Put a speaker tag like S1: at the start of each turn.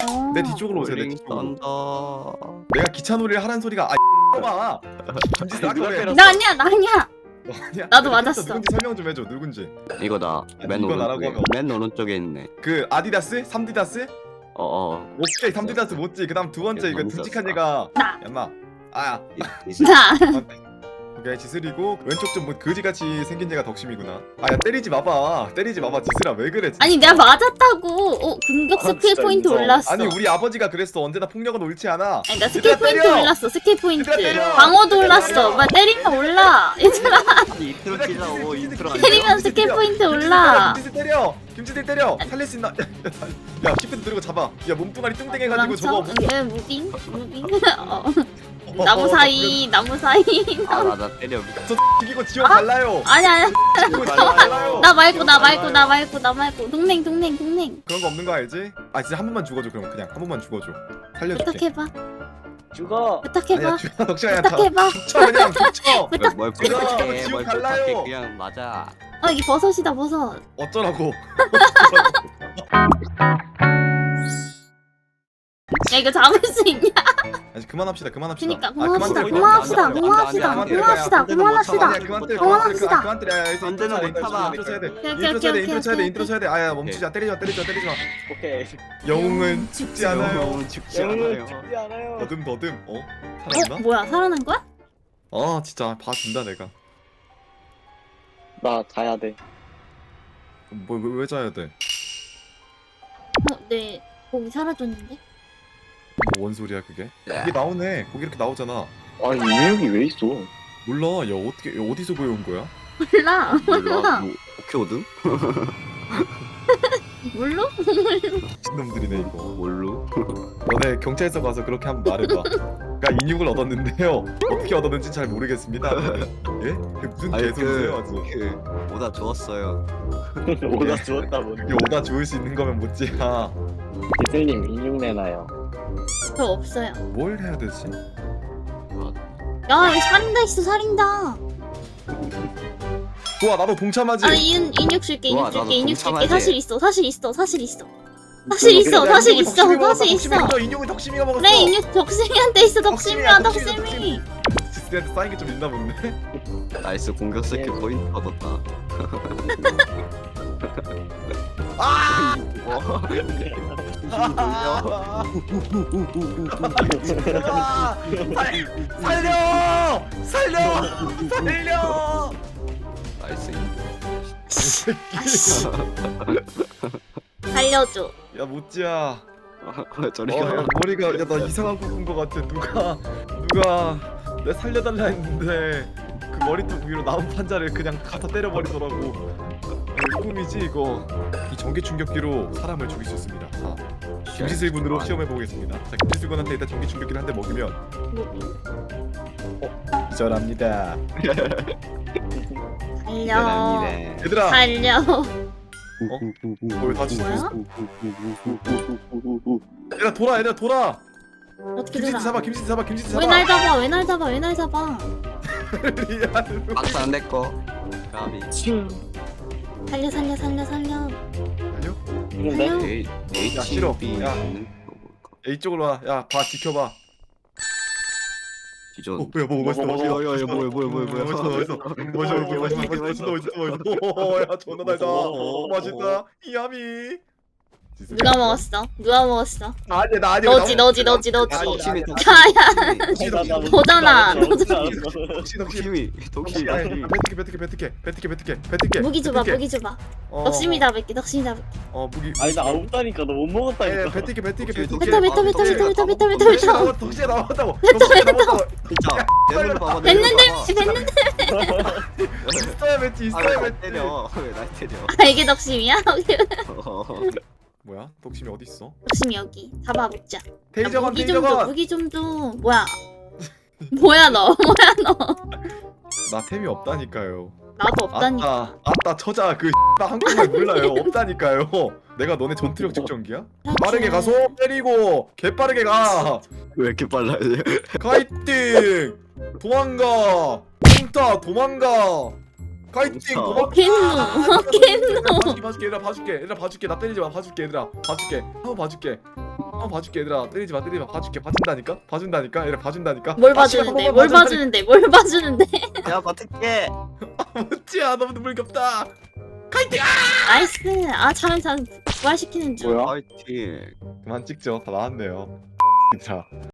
S1: 내 뒤쪽으로 오세요. 내
S2: 롤링
S1: 뒤쪽으로.
S2: 썬더.
S1: 내가 기차놀이를 하라는 소리가 봐. 김지수 아까 왜?
S3: 나 아니야 나 아니야.
S1: 너 아니야?
S3: 나도
S1: 근데
S3: 맞았어.
S1: 누군지 설명 좀 해줘. 누군지.
S2: 이거다. 맨
S1: 이거 나라고
S2: 오른쪽에.
S1: 하면
S2: 맨 오른쪽에 있네.
S1: 그 아디다스? 3디다스?
S2: 어어.
S1: 오케이 3디다스 못지. 그다음 두 번째 이거
S2: 너무
S1: 듬직한
S2: 썼어.
S1: 얘가
S3: 나.
S1: 얌마. 아야.
S3: 나.
S1: 오케이 지슬이고 왼쪽 좀 뭐 거지같이 생긴 얘가 덕심이구나. 아야 때리지 마봐. 때리지 마봐. 지슬아 왜 그래? 진짜.
S3: 아니 내가 맞았다고. 공격
S4: 아,
S3: 스킬
S4: 진짜
S3: 포인트
S4: 인정.
S3: 올랐어.
S1: 아니 우리 아버지가 그랬어. 언제나 폭력은 옳지 않아.
S3: 아니 나
S1: 얘들아,
S3: 스킬 포인트
S1: 때려!
S3: 올랐어. 스킬 포인트.
S1: 얘들아, 때려!
S3: 방어도
S1: 얘들아,
S3: 올랐어.
S1: 때려!
S3: 막 때리면 올라. 얘들아
S2: 인트로 치자고 인트로 안
S3: 때리면
S2: 돼요?
S3: 스킬 포인트 올라.
S1: 김지슬 때려. 김지슬 때려. 살릴 수 있나? 야 시프트 누르고 잡아. 야 몸뚱아리 뚱땡해가지고 저거.
S3: 왜 무빙? 무빙? 나무 사이 나무 사이.
S2: 아나 때려.
S1: 저 죽이고 지옥 갈라요.
S3: 아니야.
S1: 죽이고 지옥 갈라요.
S3: 나 말고 동맹
S1: 그런 거 없는 거 알지? 아 진짜 한 번만 죽어줘. 그럼 그냥 한 번만 죽어줘. 살려줄게.
S3: 부탁해봐
S4: 죽어.
S3: 부탁해봐
S1: 아니야 죽어. 덕시야
S3: 부탁해봐.
S1: 죽쳐 그냥 죽쳐.
S2: 뭘
S1: 지옥
S2: 부탁해.
S1: 지옥
S2: 뭘
S1: 갈라요.
S2: 부탁해. 그냥 맞아.
S3: 이게 버섯이다 버섯.
S1: 어쩌라고.
S3: 야 이거 잡을 수 있냐?
S1: 아니 그만합시다. 그만합시다.
S3: 그니까
S1: 아,
S3: 그만합시다
S1: 그만 때려,
S3: 그만합시다
S2: 안 돼,
S3: 그만합시다
S2: 안 돼, 안 돼,
S3: 그만합시다
S2: 안 돼,
S3: 그만합시다.
S1: 아니야 그만 때려.
S3: 그만합시다.
S1: 그만 때려. 야,
S2: 안 되는 못 참아.
S1: 인트로 쳐야 돼.
S3: 오케이,
S1: 인트로 쳐야 돼.
S3: 오케이,
S1: 인트로 쳐야 돼.
S3: 오케이,
S1: 인트로 쳐야 돼. 아야 멈추자. 때리지 마. 때리지 마.
S4: 오케이.
S1: 영웅은 죽지 않아요.
S2: 영웅은 죽지
S4: 영웅은
S2: 않아요.
S4: 죽지 않아요.
S1: 더듬. 살았나?
S3: 뭐야 살아난 거야?
S1: 아 진짜 봐준다 내가.
S4: 나 자야 돼.
S1: 왜 자야 돼?
S3: 네 고기 사라졌는데?
S1: 뭔 소리야 그게? 이게 나오네. 거기 이렇게 나오잖아.
S4: 아니 인형이 왜 있어?
S1: 몰라. 야 어떻게 어디서 구해온 거야?
S3: 몰라
S2: 몰라. 뭐 오케이 오든?
S3: 몰라?
S1: 신놈들이네 이거.
S2: 뭘로?
S1: 너네 경찰서 가서 그렇게 한번 말해봐. 그러니까 인육을 얻었는데요. 어떻게 얻었는지 잘 모르겠습니다. 예? 그게 무슨
S2: 아니
S1: 개소리세요 아주.
S2: 그 오다 주웠어요.
S4: 오다 주웠다 보니.
S1: 그게 오다 주울 수 있는 거면 못지야.
S4: 기슬님 인형 내놔요.
S3: 저 없어요.
S1: 뭘 해야 되지?
S3: 야 이거 살인다 있어 살인다.
S1: 좋아 나도 동참하지.
S3: 인육 줄게
S2: 좋아,
S3: 인육 줄게
S2: 나도
S3: 인육 줄게
S2: 동참하지.
S3: 사실 있어 사실 있어 사실 있어 사실 있어 사실 있어 사실 있어.
S1: 인육은 덕심이가 먹었어.
S3: 그래 인육 덕심이한테 있어 덕심이야
S1: 덕심이야,
S3: 덕심이.
S1: 지스한테 쌓인 게 좀 있나 본데.
S2: 나이스 공격 스킬 포인트 얻었다.
S1: 아!
S2: 뭐?
S1: 살려!
S2: 나이스.
S3: 살려줘.
S1: 야 모찌야.
S2: 저리
S1: 야,
S2: 가.
S1: 머리가 야 나 이상한 꿈꾼 거 같아. 누가 내 살려달라 했는데 그 머리통 위로 나무 판자를 그냥 갖다 때려버리더라고. 이거 꿈이지 이거. 이 전기 충격기로 사람을 죽일 수 있습니다. 자, 김지슬 군으로 시험해 보겠습니다. 자, 김지슬 군한테 일단 전기 충격기를 한 대 먹이면 기절합니다.
S3: 살려.
S1: 얘들아,
S3: 살려.
S1: 뭘 다치?
S3: 뭐야?
S1: 얘들아 돌아.
S3: 어떻게
S1: 김지슬
S3: 돌아?
S1: 잡아, 김지슬 잡아, 김지슬 잡아.
S3: 왜 날 잡아? 왜 날 잡아? 왜 날 잡아?
S2: 박스 안 내꺼. 가비.
S3: 살려.
S1: 아니요?
S4: 있는데?
S1: 야, 싫어. 야. 이쪽으로 와. 야, 봐, 지켜봐.
S2: 기존.
S1: 뭐야, 뭐 멋있어, 멋있어.
S2: 뭐야,
S1: 멋있어. 야, 존나 달다. 맛있다. 이야미.
S3: 누가 먹었어? 누가 먹었어?
S1: 아니, 나 아니야.
S3: 너지.
S2: 덕심이
S3: 야야. 보잖아.
S2: 덕심이 덕심이.
S1: 뱉을게.
S3: 무기 줘봐. 덕심이다 뱉게.
S1: 무기.
S4: 아니 나 없다니까 너 못 먹었다니까.
S1: 뱉을게.
S3: 뱉어.
S1: 덕시에 나왔다고.
S2: 진짜. 내눈 봐봐.
S3: 됐는데.
S1: 있어야 뱉지.
S2: 때려. 왜날 때려?
S3: 아 이게 덕심이야?
S1: 뭐야? 덕심이 어디 있어?
S3: 덕심이 여기. 잡아 먹자.
S1: 테이저건,
S3: 무기 좀 줘.
S1: 테이저건.
S3: 무기 좀 줘. 뭐야 너?
S1: 나 템이 없다니까요.
S3: 나도 없다니까.
S1: 아따 처자 그 나 한국말 몰라요. 없다니까요. 내가 너네 전투력 측정기야? 빠르게 가서 때리고 개빠르게 가.
S2: 왜 이렇게 빨라?
S1: 카이팅 도망가. 쿵타 도망가. 카이팅 도망가.
S3: 캔노.
S1: 봐줄게 얘들아 봐줄게 나 때리지 마 봐줄게 얘들아 봐줄게 한번 봐줄게 한번 봐줄게 얘들아. 때리지 마 봐줄게. 봐준다니까 얘들아 봐준다니까.
S3: 뭘
S1: 아, 씨발,
S3: 봐주는데?
S1: 한
S3: 뭘
S1: 번만
S3: 봐주는데? 뭘 봐주는데?
S2: 야 버틸게.
S1: 무찌야 너무 눈물겹다.
S3: 나이스. 아 잘한. 부활시키는 중.
S4: 뭐야?
S2: 파이팅.
S1: 그만 찍죠. 다 나왔네요. 자